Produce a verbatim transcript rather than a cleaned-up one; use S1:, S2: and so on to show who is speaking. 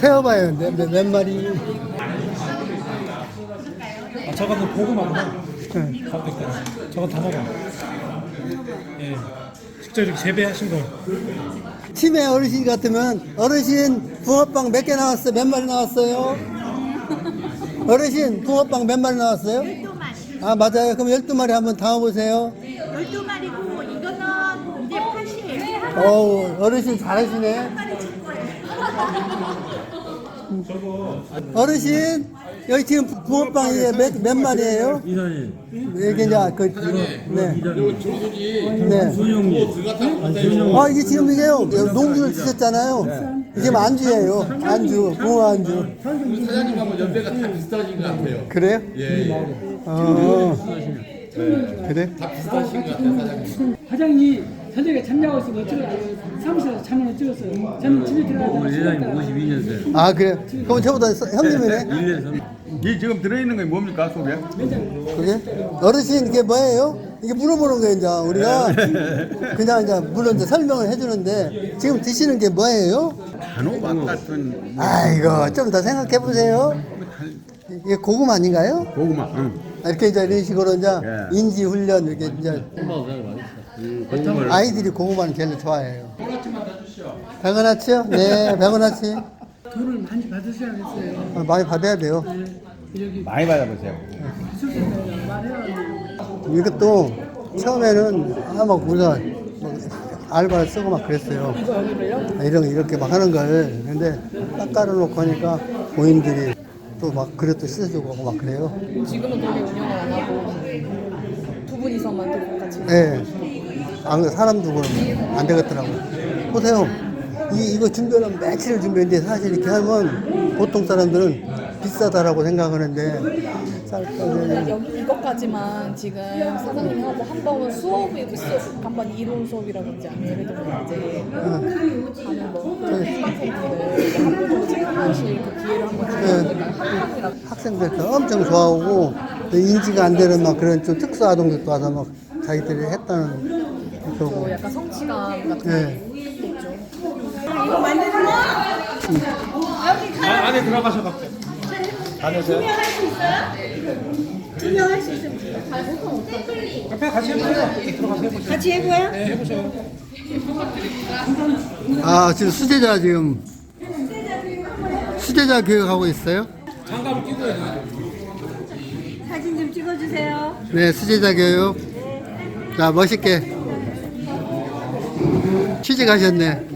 S1: 세어봐요. 몇, 몇, 몇 마리.
S2: 아, 저거는 고구마구나.
S1: 네.
S2: 가운데 거. 저건 다 먹어. 예. 직접 이렇게 재배하신 거.
S1: 치매 어르신 같으면 어르신 붕어빵 몇 개 나왔어요? 몇 마리 나왔어요? 어르신 붕어빵 몇 마리 나왔어요?
S3: 열두 마리.
S1: 아 맞아요. 그럼 열두 마리 한번 담아보세요.
S3: 열두 마리고 이거는 이제 팥이에요.
S1: 어우 어르신 잘하시네. 어르신 여기 지금 붕어빵이 몇, 몇 마리예요?
S4: 이사님,
S1: 이게 이제 그 네. 네.
S4: 손영무,
S1: 아 이게 지금 이게요 농주를 드셨잖아요. 이게 지금 안주예요. 안주, 붕어 안주.
S5: 사장님하고 연배가 다 비슷하신 것 같아요.
S1: 그래요?
S5: 예, 예.
S1: 어. 그래?
S5: 다 비슷하신 것 같아요, 사장님.
S6: 사장이 저녁에 잠자고 있으면 찍어요. 사무실에서 잠을 찍었어요. 저는 집에 들어가서
S4: 우리 이사님 오십이 년생.
S1: 아 그래? 그럼 저보다 서- 형님이네.
S4: 일 년
S7: 이 지금 들어있는 게 뭡니까 속에?
S1: 그게? 어르신 이게 뭐예요? 이게 물어보는 거예요 이제 우리가 그냥 이제 물론 이제 설명을 해주는데 지금 드시는 게 뭐예요?
S7: 단호박 같은
S1: 아이고 좀 더 생각해 보세요. 이게 고구마 아닌가요?
S7: 고구마. 응.
S1: 이렇게 이제 이런 식으로 이제
S7: 예.
S1: 인지 훈련 이렇게 이제 아이들이 고구마는 제일 좋아해요. 백원아치요? 네, 백원아치.
S6: 돈을 많이 받으셔야겠어요.
S1: 어, 많이 받아야 돼요.
S6: 여기
S7: 많이 받아보세요.
S6: 기술센터에 말해야
S1: 이것도 처음에는 아마 우리가 뭐 알바를 쓰고 막 그랬어요. 아, 이런 이렇게 막 하는 걸 근데 딱 깔아놓고 하니까 고인들이 또 막 그릇도 씻어주고 하고 막 그래요.
S8: 지금은 그렇게 운영을 안 하고 두 분이서만 또 같이
S1: 예. 안 그래, 사람 두고는 안 되겠더라고. 보세요. 이, 이거 준비하려면 며칠을 준비했는데 사실 이렇게 하면 보통 사람들은 비싸다라고 생각하는데 쌀가게
S8: 여기 이것까지만 지금 사장님이 하고 한 번은 수업이 수업 한번 이론 수업이라든지 아니면 예를 들면 이제 가는 뭐 수강생분들 한 번 정도 체험하실 그 기회를 한번 주니까 학생이랑
S1: 학생들 엄청 좋아하고 또 인지가 안 되는 막 그런 좀 특수 아동들도 와서 막 자기들이 했다는
S8: 또
S1: 그거.
S8: 약간 성취감 같은
S1: 네.
S8: 게 있죠.
S3: 이거 만드는 거?
S2: 아, 안에 들어가셔갖고.
S5: 다녀오세요.
S3: 투명할 수 있어요? 투명할 수 있으면 잘 못하면 어떡해.
S2: 옆에 같이 해보세요. 들어가서 해보세요.
S3: 같이 해봐요?
S2: 네, 해보세요.
S1: 아 지금 수제자 지금 수제자 교육하고 있어요?
S2: 장갑을 끼고 해야 돼요.
S3: 사진 좀 찍어주세요.
S1: 네 수제자 교육. 자 멋있게 취직하셨네.